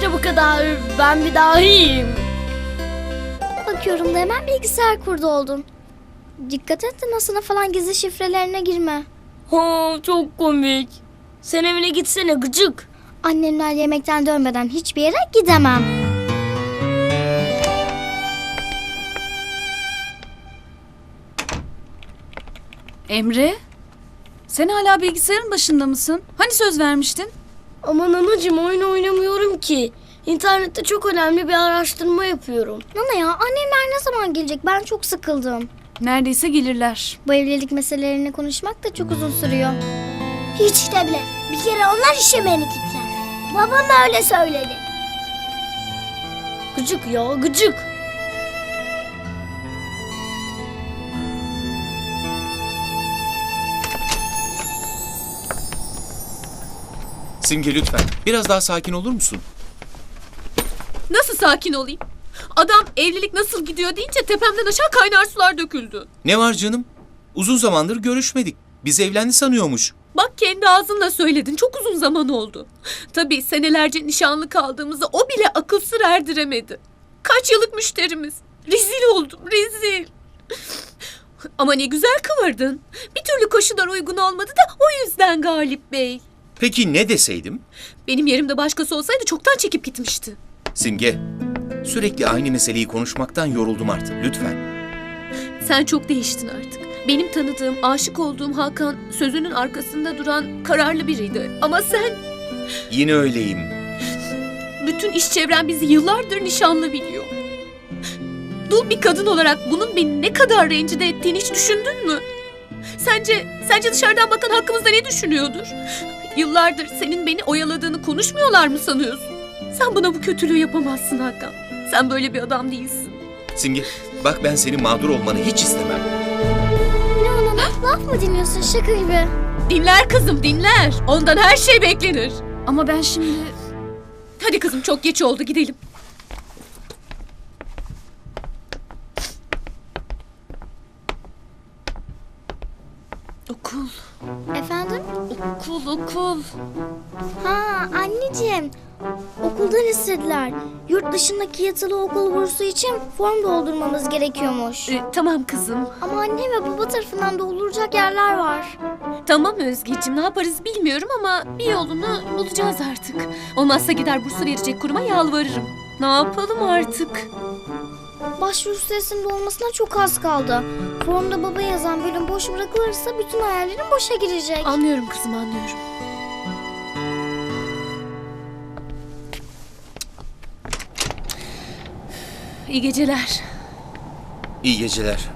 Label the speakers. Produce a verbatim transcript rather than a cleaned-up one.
Speaker 1: İşte bu kadar. Ben bir dahiyim.
Speaker 2: Bakıyorum da hemen bilgisayar kurdu oldun. Dikkat et de NASA'na falan gizli şifrelerine girme.
Speaker 1: Ha, çok komik. Sen evine gitsene gıcık.
Speaker 2: Annemler yemekten dönmeden hiçbir yere gidemem.
Speaker 3: Emre, sen hala bilgisayarın başında mısın? Hani söz vermiştin?
Speaker 1: Aman anacığım, oyun oynamıyorum ki. İnternette çok önemli bir araştırma yapıyorum.
Speaker 2: Nana ya, annemler ne zaman gelecek? Ben çok sıkıldım.
Speaker 3: Neredeyse gelirler.
Speaker 2: Bu evlilik meselelerini konuşmak da çok uzun sürüyor.
Speaker 4: Hiç de bile. Bir kere onlar işemeni gittiler. Babam öyle söyledi.
Speaker 1: Gıcık ya, gıcık.
Speaker 5: Simge lütfen biraz daha sakin olur musun?
Speaker 6: Nasıl sakin olayım? Adam evlilik nasıl gidiyor deyince tepemden aşağı kaynar sular döküldü.
Speaker 5: Ne var canım? Uzun zamandır görüşmedik. Biz evlendi sanıyormuş.
Speaker 6: Bak kendi ağzınla söyledin. Çok uzun zaman oldu. Tabii senelerce nişanlı kaldığımızda o bile akıl sır erdiremedi. Kaç yıllık müşterimiz. Rezil oldum, rezil. Ama ne güzel kıvırdın. Bir türlü koşullar uygun olmadı da o yüzden Galip Bey.
Speaker 5: Peki ne deseydim?
Speaker 6: Benim yerimde başkası olsaydı çoktan çekip gitmişti.
Speaker 5: Simge, sürekli aynı meseleyi konuşmaktan yoruldum artık. Lütfen.
Speaker 6: Sen çok değiştin artık. Benim tanıdığım, aşık olduğum Hakan sözünün arkasında duran kararlı biriydi. Ama sen,
Speaker 5: Yine öyleyim.
Speaker 6: bütün iş çevren bizi yıllardır nişanlı biliyor. Dul bir kadın olarak bunun beni ne kadar rencide ettiğini hiç düşündün mü? Sence, sence dışarıdan bakan hakkımızda ne düşünüyordur? Yıllardır senin beni oyaladığını konuşmuyorlar mı sanıyorsun? Sen bana bu kötülüğü yapamazsın Hakan. Sen böyle bir adam değilsin.
Speaker 5: Simge, bak ben senin mağdur olmanı hiç istemem.
Speaker 2: Ne o Nana? Laf mı dinliyorsun şaka gibi?
Speaker 6: Dinler kızım dinler. Ondan her şey beklenir.
Speaker 3: Ama ben şimdi...
Speaker 6: Hadi kızım çok geç oldu gidelim. Okul,
Speaker 2: Efendim?
Speaker 6: okul, okul.
Speaker 2: Ha anneciğim. Okuldan istediler. Yurt dışındaki yatılı okul bursu için form doldurmamız gerekiyormuş.
Speaker 6: Ee, tamam kızım.
Speaker 2: Ama anne ve baba tarafından dolduracak yerler var.
Speaker 6: Tamam Özgeciğim ne yaparız bilmiyorum ama bir yolunu bulacağız artık. Olmazsa gider bursu verecek kuruma yalvarırım. Ne yapalım artık?
Speaker 2: Başvuru süresinin dolmasına çok az kaldı. Formda baba yazan bölüm boş bırakılırsa bütün hayallerim boşa girecek.
Speaker 6: Anlıyorum kızım anlıyorum. İyi geceler.
Speaker 5: İyi geceler.